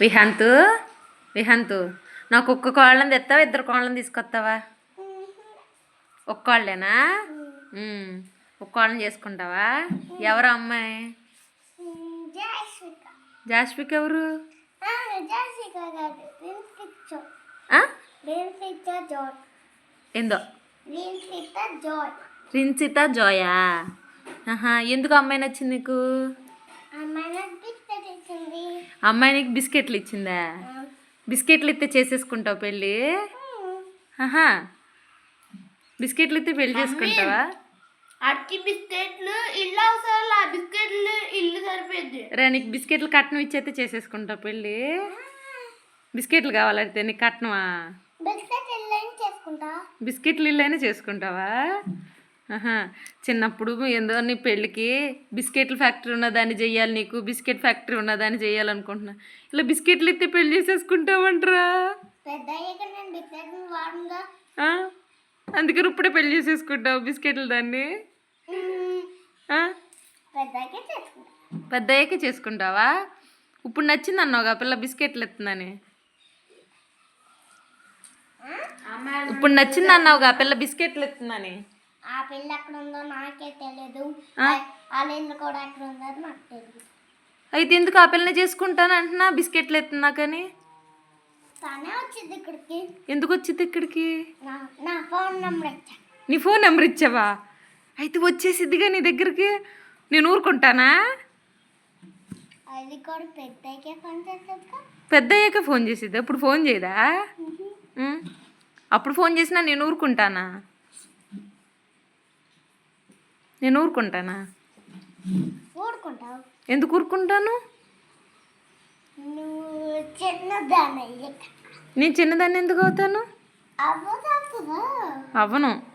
విహాంతు విహాంతు నాకు ఒక్క కోళ్ళని తెస్తావా, ఇద్దరు కోళ్ళని తీసుకొస్తావా? ఒక్క కోళ్ళేనా? ఒక్క కోళ్ళని చేసుకుంటావా? ఎవరు అమ్మాయి? జాస్విక్ ఎవరు? ఏందో రిన్సిత జోయా? ఎందుకు అమ్మాయి నచ్చింది నీకు? అమ్మాయి నీకు బిస్కెట్లు ఇచ్చిందా? బిస్కెట్లు ఇస్తే చేసేసుకుంటావు పెళ్ళి? బిస్కెట్లు ఇస్తే పెళ్ళి చేసుకుంటావా? అట్టి బిస్కెట్లు ఇల్లు అవసరం, ఆ బిస్కెట్లు ఇల్లు సరిపోద్ది. రే నీకు బిస్కెట్లు కట్నం ఇచ్చేస్తే చేసేసుకుంటావు పెళ్ళి? బిస్కెట్లు కావాలంటే నీకు కట్నమా? బిస్కెట్లు ఇల్లు అయినా చేసుకుంటావా? చిన్నప్పుడు ఏందో నీ పెళ్ళికి బిస్కెట్ల ఫ్యాక్టరీ ఉన్నదాన్ని చెయ్యాలి, నీకు బిస్కెట్ ఫ్యాక్టరీ ఉన్నదాన్ని చెయ్యాలనుకుంటున్నా. ఇలా బిస్కెట్లు ఇస్తే పెళ్ళి చేసేసుకుంటావంటరా? అందుకని ఇప్పుడే పెళ్ళి చేసేసుకుంటావు బిస్కెట్లు దాన్ని? పెద్దయ్యాకే చేసుకుంటావా? ఇప్పుడు నచ్చింది అన్నావుగా పిల్ల బిస్కెట్లు ఎత్తుందని. ఇప్పుడు నచ్చింది అన్నావుగా పిల్ల బిస్కెట్లు ఎత్తుందని. ఆ పిల్ల ఎక్కడ ఉందో నాకే తెలియదు, కూడా ఎక్కడ ఉందో నాకు తెలియదు. అయితే ఎందుకు ఆ పిల్లని చేసుకుంటాను అంటున్నా బిస్కెట్లు ఎత్తున్నా కానీ? తనే వచ్చింది ఇక్కడికి. ఎందుకు వచ్చింది ఇక్కడికి? నా ఫోన్ నెంబర్ ఇచ్చా. నీ ఫోన్ నెంబర్ ఇచ్చావా? అయితే వచ్చేసిద్దిగా నీ దగ్గరికి. నేను ఊరుకుంటానా? అది కూడా పెద్దయ్యకే ఫోన్ చేసేది. పెద్దయ్యాక ఫోన్ చేసిద్ది, అప్పుడు ఫోన్ చేయదా? అప్పుడు ఫోన్ చేసినా నేను ఊరుకుంటానా? నేను ఊరుకుంటానా? ఊరుకుంటావు. ఎందుకు ఊరుకుంటాను? చిన్నదాన్ని. నేను చిన్నదాన్ని ఎందుకు అవుతాను? అవ్వను.